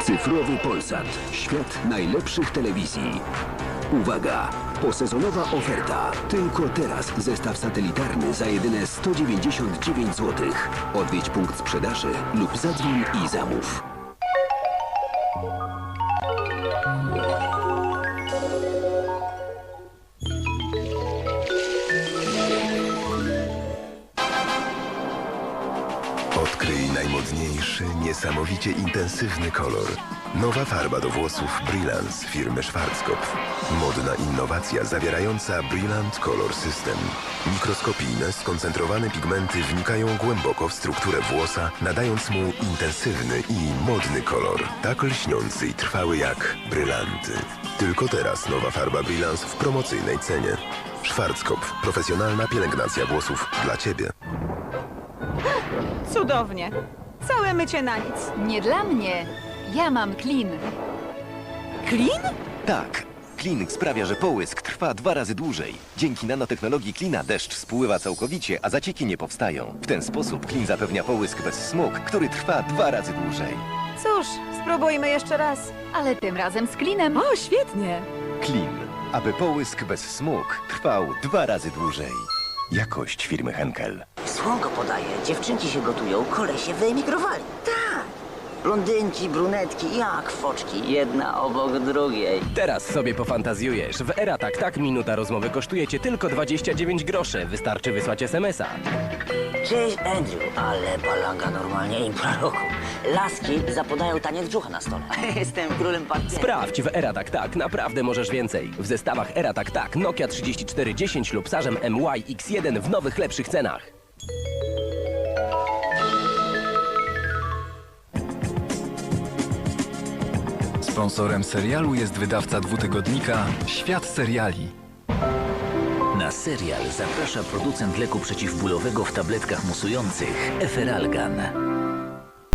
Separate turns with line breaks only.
Cyfrowy Polsat. Świat najlepszych telewizji. Uwaga! Posezonowa oferta. Tylko teraz zestaw satelitarny za jedyne 199 zł. Odwiedź punkt sprzedaży lub zadzwoń i zamów.
Odkryj najmodniejszy, niesamowicie intensywny kolor. Nowa farba do włosów Brilance firmy Schwarzkopf. Modna innowacja zawierająca Brillant Color System. Mikroskopijne, skoncentrowane pigmenty wnikają głęboko w strukturę włosa, nadając mu intensywny i modny kolor. Tak lśniący i trwały jak brylanty. Tylko teraz nowa farba Brilance w promocyjnej cenie. Schwarzkopf. Profesjonalna pielęgnacja włosów dla Ciebie.
Cudownie. Całe mycie na nic.
Nie dla mnie. Ja mam Clean.
Clean?
Tak. Clean sprawia, że połysk trwa 2 razy dłużej. Dzięki nanotechnologii Cleana deszcz spływa całkowicie, a zacieki nie powstają. W ten sposób Clean zapewnia połysk bez smug, który trwa 2 razy dłużej.
Cóż, spróbujmy jeszcze raz.
Ale tym razem z Cleanem.
O, świetnie.
Clean, aby połysk bez smug trwał 2 razy dłużej. Jakość firmy Henkel.
Słonko podaje, dziewczynki się gotują, kolesie wyemigrowali. Tak. Blondynki, brunetki, jak foczki, jedna obok drugiej.
Teraz sobie pofantazjujesz. W Era Tak minuta rozmowy kosztuje cię tylko 29 groszy. Wystarczy wysłać SMS-a.
Cześć Andrew, ale balanga normalnie impra roku. Laski zapodają taniec brzucha na stole. Jestem królem partii.
Sprawdź w Era Tak, naprawdę możesz więcej. W zestawach Era Tak, Nokia 3410 lub Sarzem MY X1 w nowych, lepszych cenach.
Sponsorem serialu jest wydawca dwutygodnika Świat Seriali.
Na serial zaprasza producent leku przeciwbólowego w tabletkach musujących Eferalgan.